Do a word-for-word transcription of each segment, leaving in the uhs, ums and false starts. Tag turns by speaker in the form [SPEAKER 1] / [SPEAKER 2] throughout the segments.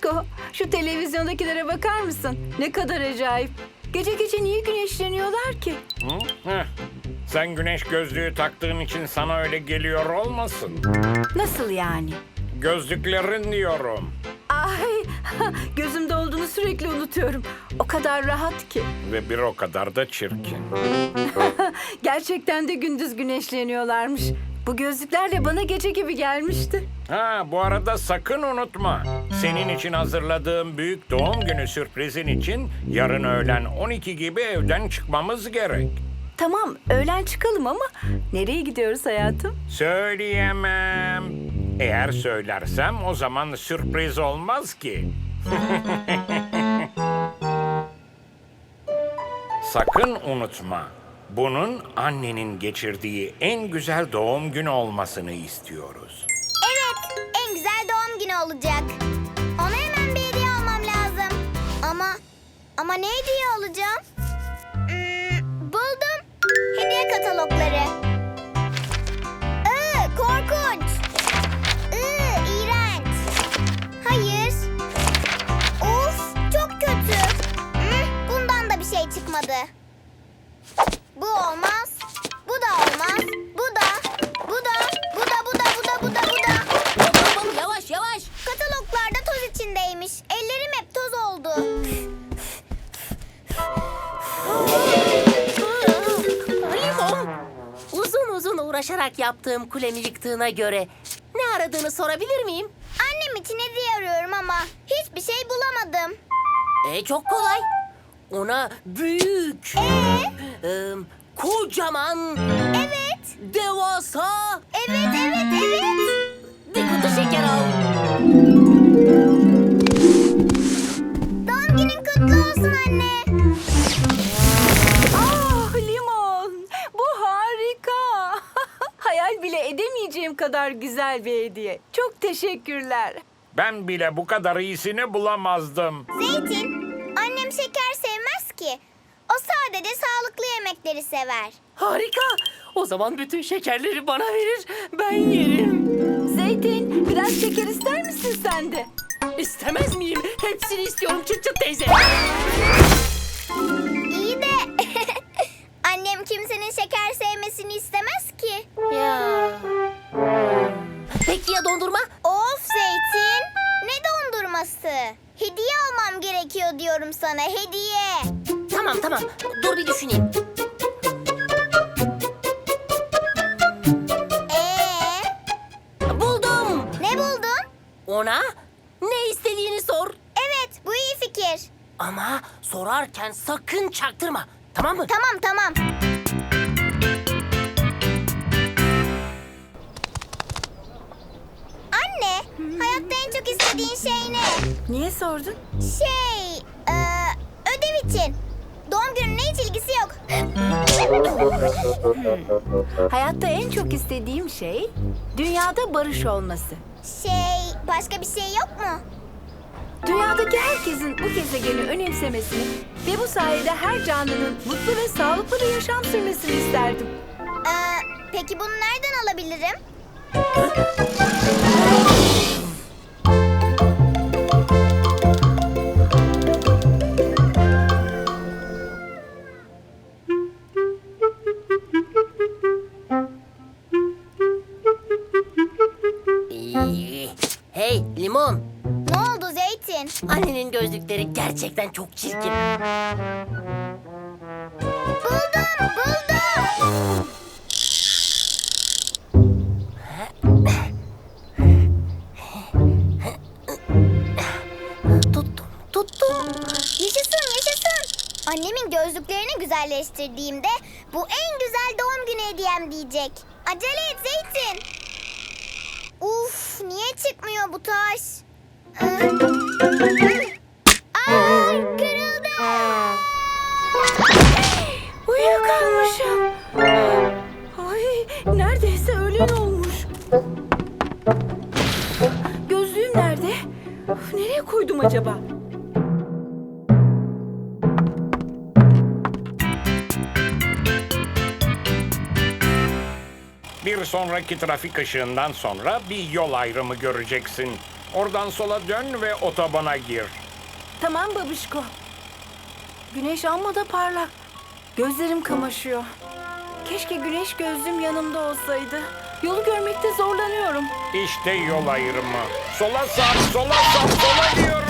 [SPEAKER 1] Aşko, şu televizyondakilere bakar mısın? Ne kadar acayip. Gece gece niye güneşleniyorlar ki?
[SPEAKER 2] Hı? Heh. Sen güneş gözlüğü taktığın için sana öyle geliyor olmasın?
[SPEAKER 1] Nasıl yani?
[SPEAKER 2] Gözlüklerin diyorum.
[SPEAKER 1] Ay, gözümde olduğunu sürekli unutuyorum. O kadar rahat ki.
[SPEAKER 2] Ve bir o kadar da çirkin.
[SPEAKER 1] Gerçekten de gündüz güneşleniyorlarmış. Bu gözlüklerle bana gece gibi gelmişti.
[SPEAKER 2] Ha, bu arada sakın unutma. Senin için hazırladığım büyük doğum günü sürprizin için yarın öğlen on iki gibi evden çıkmamız gerek.
[SPEAKER 1] Tamam, öğlen çıkalım ama nereye gidiyoruz hayatım?
[SPEAKER 2] Söyleyemem. Eğer söylersem o zaman sürpriz olmaz ki. Sakın unutma. Bunun annenin geçirdiği en güzel doğum günü olmasını istiyoruz.
[SPEAKER 3] Evet, en güzel doğum günü olacak. Ona hemen bir hediye almam lazım. Ama, ama ne hediye alacağım? Hmm, buldum. Hediye katalogları. Iı, korkunç. Iı, iğrenç. Hayır. Of, çok kötü. Hmm, bundan da bir şey çıkmadı. Bu olmaz. Bu da olmaz. Bu da. Bu da. Bu da. Bu da. Bu da. Bu da. Bu da.
[SPEAKER 4] Hop hop yavaş yavaş.
[SPEAKER 3] Kataloglarda toz içindeymiş. Ellerim hep toz oldu.
[SPEAKER 4] Limon. Uzun uzun uğraşarak yaptığım kulemi yıktığına göre ne aradığını sorabilir miyim?
[SPEAKER 3] Annem için hediye arıyorum ama hiçbir şey bulamadım.
[SPEAKER 4] E çok kolay. Ona büyük,
[SPEAKER 3] Ee?
[SPEAKER 4] e, kocaman,
[SPEAKER 3] Evet.
[SPEAKER 4] devasa
[SPEAKER 3] Evet, evet, evet.
[SPEAKER 4] bir kutu şeker al.
[SPEAKER 3] Doğum günün kutlu olsun anne.
[SPEAKER 1] Ah Limon, bu harika. Hayal bile edemeyeceğim kadar güzel bir hediye. Çok teşekkürler.
[SPEAKER 2] Ben bile bu kadar iyisini bulamazdım.
[SPEAKER 3] Zeytin, annem şeker sevmez ki. O sadece sağlıklı yemekleri sever.
[SPEAKER 4] Harika. O zaman bütün şekerleri bana verir. Ben yerim.
[SPEAKER 1] Zeytin, biraz şeker ister misin sen de?
[SPEAKER 4] İstemez miyim? Hepsini istiyorum çıt çıt teyze.
[SPEAKER 3] İyi de annem kimsenin şeker sevmesini istemez ki.
[SPEAKER 4] Ya. Peki ya dondurma?
[SPEAKER 3] Of Zeytin, ne dondurması? Hediye almam gerekiyor diyorum sana, hediye.
[SPEAKER 4] Tamam tamam. Dur bir düşüneyim.
[SPEAKER 3] Ee,
[SPEAKER 4] Buldum.
[SPEAKER 3] ne buldun?
[SPEAKER 4] Ona ne istediğini sor.
[SPEAKER 3] Evet, bu iyi fikir.
[SPEAKER 4] Ama sorarken sakın çaktırma. Tamam mı?
[SPEAKER 3] Tamam, tamam. Anne, hayatta en çok istediğin şey ne?
[SPEAKER 1] Niye sordun?
[SPEAKER 3] Şey, e, ödev için. Doğum gününle hiç ilgisi yok.
[SPEAKER 1] Hayatta en çok istediğim şey dünyada barış olması.
[SPEAKER 3] Şey, başka bir şey yok mu?
[SPEAKER 1] Dünyadaki herkesin bu gezegeni önemsemesini ve bu sayede her canlının mutlu ve sağlıklı bir yaşam sürmesini isterdim.
[SPEAKER 3] Ee, peki bunu nereden alabilirim?
[SPEAKER 4] İyi. Hey limon.
[SPEAKER 3] Ne oldu Zeytin?
[SPEAKER 4] Annenin gözlükleri gerçekten çok çirkin.
[SPEAKER 3] Buldum, buldum.
[SPEAKER 4] Tuttum, tuttum.
[SPEAKER 3] Yaşasın, yaşasın. Annemin gözlüklerini güzelleştirdiğimde bu en güzel doğum günü hediyem diyecek. Acele et Zeytin. Uf, niye çıkmıyor bu taş? Aa, kırıldı.
[SPEAKER 1] Uyuyakalmışım. Ay, neredeyse öğlen olmuş. Gözlüğüm nerede? Of, nereye koydum acaba?
[SPEAKER 2] Bir sonraki trafik ışığından sonra bir yol ayrımı göreceksin. Oradan sola dön ve otobana gir.
[SPEAKER 1] Tamam babişko. Güneş amma da parlak. Gözlerim kamaşıyor. Keşke güneş gözlüğüm yanımda olsaydı. Yolu görmekte zorlanıyorum.
[SPEAKER 2] İşte yol ayrımı. Sola sar, sola sar, sola diyorum.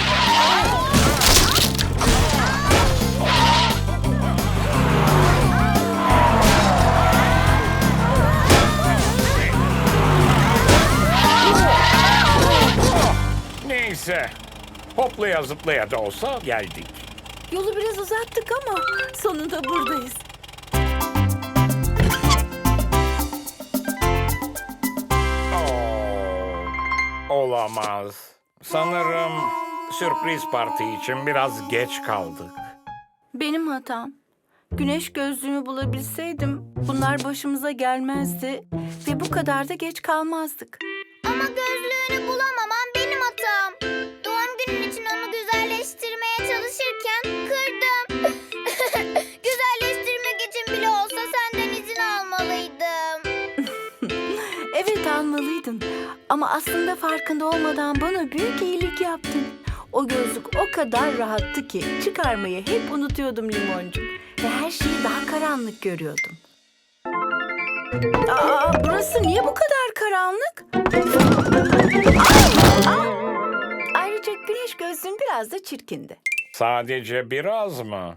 [SPEAKER 2] Neyse. Hoplaya zıplaya da olsa geldik.
[SPEAKER 1] Yolu biraz uzattık ama sonunda buradayız.
[SPEAKER 2] Oo, olamaz. Sanırım sürpriz parti için biraz geç kaldık.
[SPEAKER 1] Benim hatam. Güneş gözlüğümü bulabilseydim bunlar başımıza gelmezdi ve bu kadar da geç kalmazdık.
[SPEAKER 3] Ama gözlüğünü bulamaman benim hatam. Doğum günün için onu güzelleştirmeye çalışırken kırdım. Güzelleştirmek için bile olsa senden izin almalıydım.
[SPEAKER 1] Evet almalıydın ama aslında farkında olmadan bana büyük iyilik yaptın. O gözlük o kadar rahattı ki çıkarmayı hep unutuyordum Limoncuğum. Ve her şeyi daha karanlık görüyordum. Aa, burası niye bu kadar karanlık? Aa, aa. Ayrıca güneş gözlüğüm biraz da çirkindi.
[SPEAKER 2] Sadece biraz mı?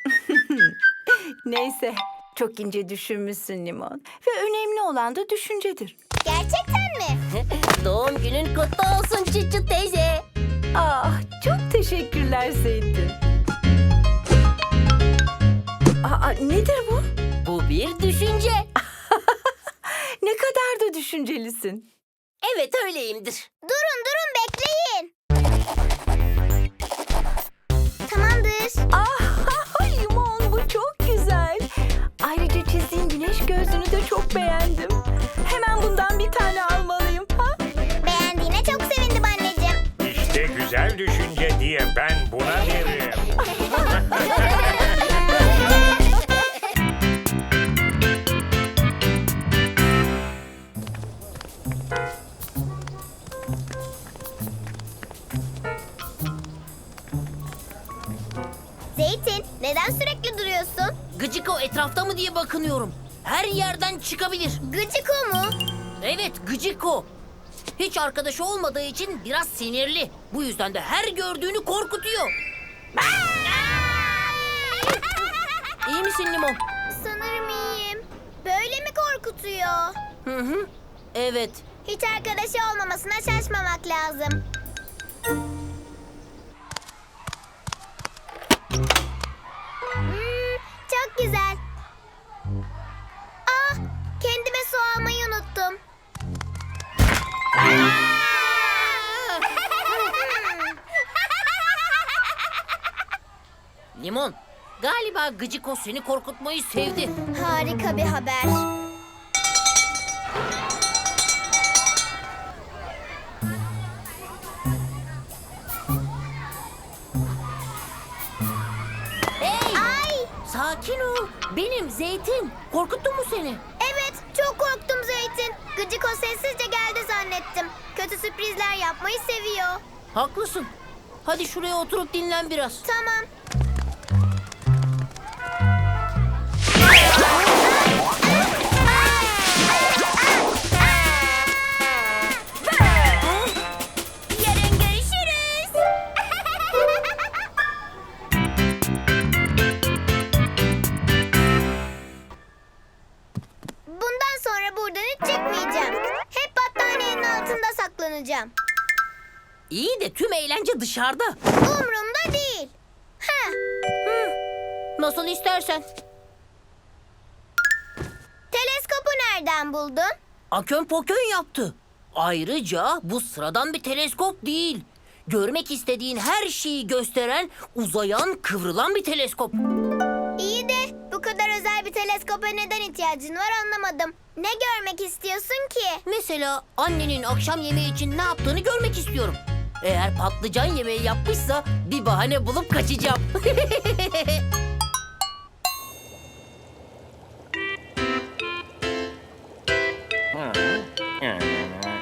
[SPEAKER 1] Neyse, çok ince düşünmüşsün Limon. Ve önemli olan da düşüncedir.
[SPEAKER 3] Gerçekten mi?
[SPEAKER 4] Doğum günün kutlu olsun Çıçı teyze.
[SPEAKER 1] Ah, çok teşekkürler Zeytin. Aa, nedir bu?
[SPEAKER 4] Bu bir düşünce.
[SPEAKER 1] Ne kadar da düşüncelisin.
[SPEAKER 4] Evet öyleyimdir.
[SPEAKER 3] Durun durun bekleyin. Tamamdır.
[SPEAKER 1] Ah, Limon bu çok güzel. Ayrıca çizdiğin güneş gözlüğünü de çok beğendim. Hemen bundan bir tane almalıyım. Ha?
[SPEAKER 3] Beğendiğine çok sevindim anneciğim.
[SPEAKER 2] İşte güzel düşünce diye ben buna derim.
[SPEAKER 3] Zeytin, neden sürekli duruyorsun?
[SPEAKER 4] Gıcıko etrafta mı diye bakınıyorum. Her yerden çıkabilir.
[SPEAKER 3] Gıcık o mu?
[SPEAKER 4] Evet Gıcıko. Hiç arkadaşı olmadığı için biraz sinirli. Bu yüzden de her gördüğünü korkutuyor. İyi misin Limon?
[SPEAKER 3] Sanırım iyiyim. Böyle mi korkutuyor?
[SPEAKER 4] Hı hı. Evet.
[SPEAKER 3] Hiç arkadaşı olmamasına şaşmamak lazım. Hmm, çok güzel. Ah, kendime su almayı unuttum.
[SPEAKER 4] Limon, galiba Gıcıko seni korkutmayı sevdi.
[SPEAKER 3] Harika bir haber.
[SPEAKER 4] Hey,
[SPEAKER 3] Ay,
[SPEAKER 4] sakin ol. Benim Zeytin. Korkuttum mu seni?
[SPEAKER 3] evet çok korktum Zeytin. Gıcık o sessizce geldi zannettim. Kötü sürprizler yapmayı seviyor.
[SPEAKER 4] Haklısın. Hadi şuraya oturup dinlen biraz.
[SPEAKER 3] Tamam. Yarın görüşürüz. Bundan sonra buradan hiç çıkmayacağım. Hep battaniyenin altında saklanacağım.
[SPEAKER 4] İyi de tüm eğlence dışarıda.
[SPEAKER 3] Umrumda değil. Ha,
[SPEAKER 4] Nasıl istersen.
[SPEAKER 3] teleskopu nereden buldun?
[SPEAKER 4] Akön pokön yaptı. Ayrıca bu sıradan bir teleskop değil. Görmek istediğin her şeyi gösteren, uzayan, kıvrılan bir teleskop.
[SPEAKER 3] İyi de bu kadar özel bir teleskopa neden ihtiyacın var anlamadım. Ne görmek istiyorsun ki?
[SPEAKER 4] Mesela annenin akşam yemeği için ne yaptığını görmek istiyorum. Eğer patlıcan yemeği yapmışsa bir bahane bulup kaçacağım.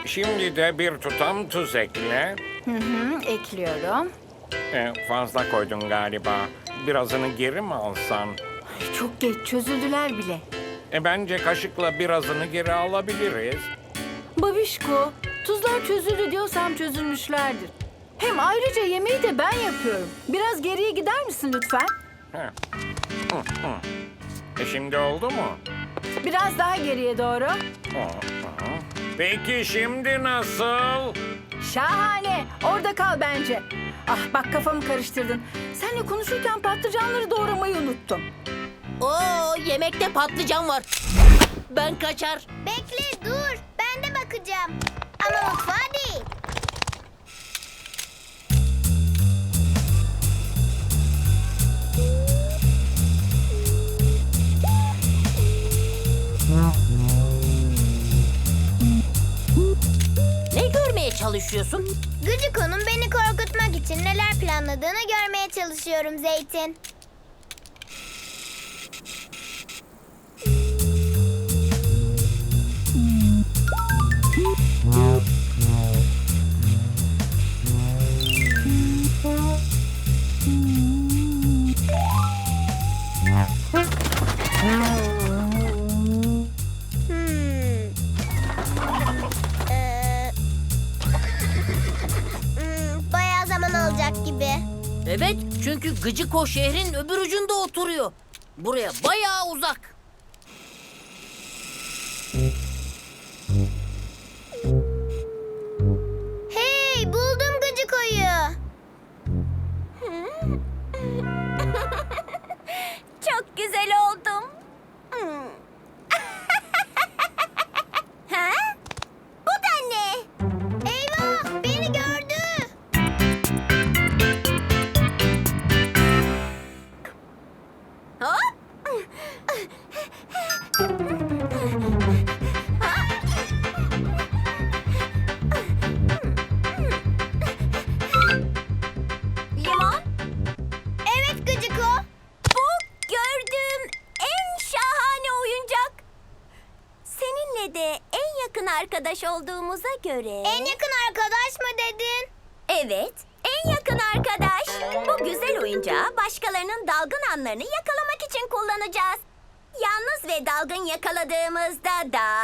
[SPEAKER 2] Şimdi de bir tutam tuz ekle.
[SPEAKER 1] Hı hı, ekliyorum.
[SPEAKER 2] Ee, fazla koydun galiba. Birazını geri mi alsan?
[SPEAKER 1] Ay, çok geç çözüldüler bile.
[SPEAKER 2] E bence kaşıkla birazını geri alabiliriz.
[SPEAKER 1] Babişko, tuzlar çözüldü diyorsam çözülmüşlerdir. Hem ayrıca yemeği de ben yapıyorum. Biraz geriye gider misin lütfen?
[SPEAKER 2] Heh. Hı, hı. E şimdi oldu mu?
[SPEAKER 1] Biraz daha geriye doğru.
[SPEAKER 2] Hı, hı. Peki şimdi nasıl?
[SPEAKER 1] Şahane. Orada kal bence. Ah bak kafamı karıştırdın. Seninle konuşurken patlıcanları doğramayı unuttum.
[SPEAKER 4] Oo, yemekte patlıcan var. Ben kaçar.
[SPEAKER 3] Bekle dur. Ben de bakacağım. Ama mutfağa değil.
[SPEAKER 4] Ne görmeye çalışıyorsun?
[SPEAKER 3] Gıcıko'nun beni korkutmak için neler planladığını görmeye çalışıyorum Zeytin. Hmm. Ee, hmm, bayağı zaman alacak gibi.
[SPEAKER 4] Evet, çünkü Gıcıko şehrin öbür ucunda oturuyor. Buraya bayağı uzak.
[SPEAKER 3] Hey, buldum Gıcıko'yu. Çok güzel oldum. Ha? Bu da ne? Eyvah, beni gördü.
[SPEAKER 4] Ha?
[SPEAKER 3] Limon? Evet Gıcıko. Bu gördüğüm en şahane oyuncak. Seninle de en yakın arkadaş olduğumuza göre... En yakın arkadaş mı dedin? Evet, en yakın arkadaş. Bu güzel oyuncağı başkalarının dalgın anlarını yakalamak için kullanacağız. Yalnız ve dalgın yakaladığımızda da...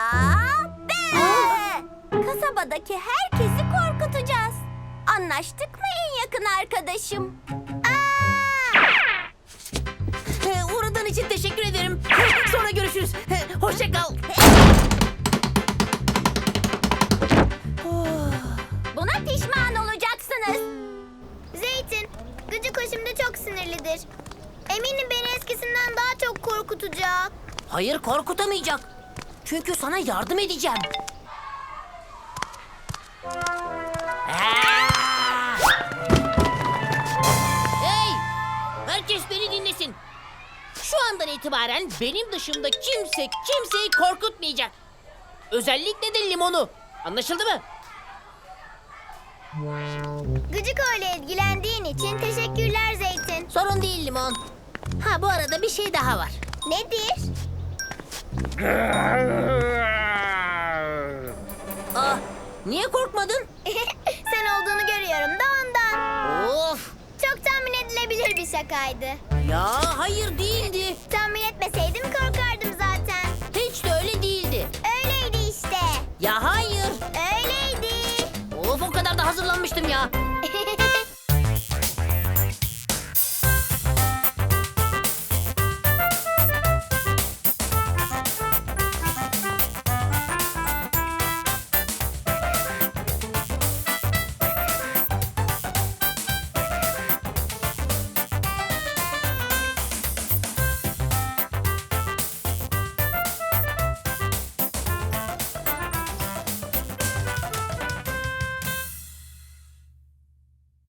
[SPEAKER 3] Be! Kasabadaki herkesi korkutacağız. Anlaştık mı en yakın arkadaşım?
[SPEAKER 4] Ee, uğradığın için teşekkür ederim. Sonra görüşürüz. Hoşça kal.
[SPEAKER 3] Buna pişman olacaksınız. Zeytin, Gıcıko şimdi çok sinirlidir. Eminim beni eskisinden daha çok korkutacak.
[SPEAKER 4] Hayır, korkutamayacak. Çünkü sana yardım edeceğim. Aa! Hey! Herkes beni dinlesin. Şu andan itibaren benim dışımda kimse kimseyi korkutmayacak. Özellikle de Limon'u. Anlaşıldı mı?
[SPEAKER 3] Gıcıko ile ilgilendiğin için teşekkürler Zeytin.
[SPEAKER 4] Sorun değil Limon. Ha, bu arada bir şey daha var.
[SPEAKER 3] Nedir?
[SPEAKER 4] Ah, niye korkmadın?
[SPEAKER 3] Sen olduğunu görüyorum da ondan.
[SPEAKER 4] Of!
[SPEAKER 3] Çok tahmin edilebilir bir şakaydı.
[SPEAKER 4] Ya hayır değildi.
[SPEAKER 3] Tahmin etmeseydim korkardım zaten.
[SPEAKER 4] Hiç de öyle değildi.
[SPEAKER 3] Öyleydi işte.
[SPEAKER 4] Ya hayır.
[SPEAKER 3] Öyleydi.
[SPEAKER 4] Of, o kadar da hazırlanmıştım ya.